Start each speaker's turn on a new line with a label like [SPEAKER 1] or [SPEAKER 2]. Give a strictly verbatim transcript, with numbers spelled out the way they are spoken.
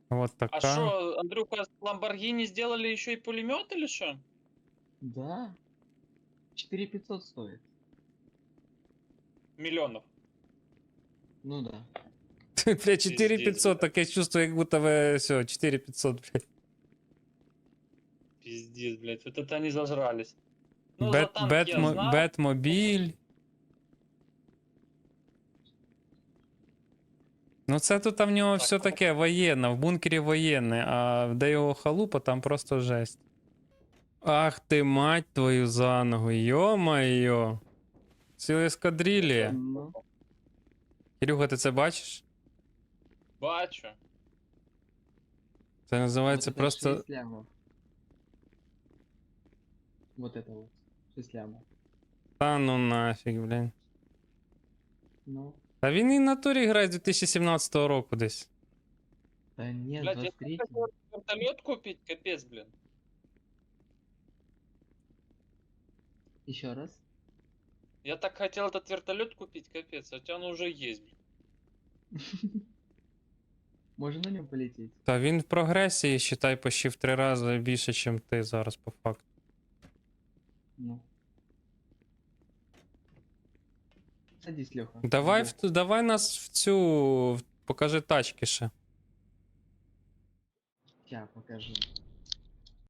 [SPEAKER 1] Вот
[SPEAKER 2] А
[SPEAKER 1] така.
[SPEAKER 2] что, Андрюха, с Lamborghini сделали еще и пулемет или что?
[SPEAKER 3] Да. четыре пятьсот стоит.
[SPEAKER 2] Миллионов.
[SPEAKER 3] Ну да.
[SPEAKER 1] Бля, четыре
[SPEAKER 2] Пиздец,
[SPEAKER 1] пятьсот,
[SPEAKER 2] блядь.
[SPEAKER 1] таке чувство, як будто ви все, четыре пятьсот, блядь.
[SPEAKER 2] Пиздец, блядь, вот это они зажрались. Ну, за
[SPEAKER 1] Бет,
[SPEAKER 2] танк я
[SPEAKER 1] Бетмо,
[SPEAKER 2] знал.
[SPEAKER 1] Бетмобіль. Ну це тут в нього
[SPEAKER 2] Так,
[SPEAKER 1] все таке воєнне, в бункері воєнне, а де його халупа, там просто жесть. Ах ти мать твою за ногу, йо-майо. Ціла ескадрилія.
[SPEAKER 3] Ну,
[SPEAKER 1] Кирюха, ти це бачиш?
[SPEAKER 2] Бачу.
[SPEAKER 1] Це
[SPEAKER 3] вот
[SPEAKER 1] називається
[SPEAKER 3] это
[SPEAKER 1] просто...
[SPEAKER 3] шесть лямов. Вот это вот. шесть лямов.
[SPEAKER 1] Та ну нафіг, блін.
[SPEAKER 3] Ну.
[SPEAKER 1] Та він і в натурі грає з дві тисячі сімнадцятого року десь.
[SPEAKER 3] Да нет,
[SPEAKER 2] Блядь, я
[SPEAKER 3] двадцать
[SPEAKER 2] так
[SPEAKER 3] третий.
[SPEAKER 2] хотел вертолет купить, капец, блин.
[SPEAKER 3] Еще раз.
[SPEAKER 2] Я так хотел этот вертолет купить, капец, хотя он уже есть, блин.
[SPEAKER 3] Можно на нем полететь?
[SPEAKER 1] Та він в прогресії, считай, почти в три рази більше, ніж ти зараз по факту.
[SPEAKER 3] Ну. Садись, Леха.
[SPEAKER 1] Давай, в, давай нас в цю... в- Покажи тачки ще.
[SPEAKER 3] Сейчас покажу.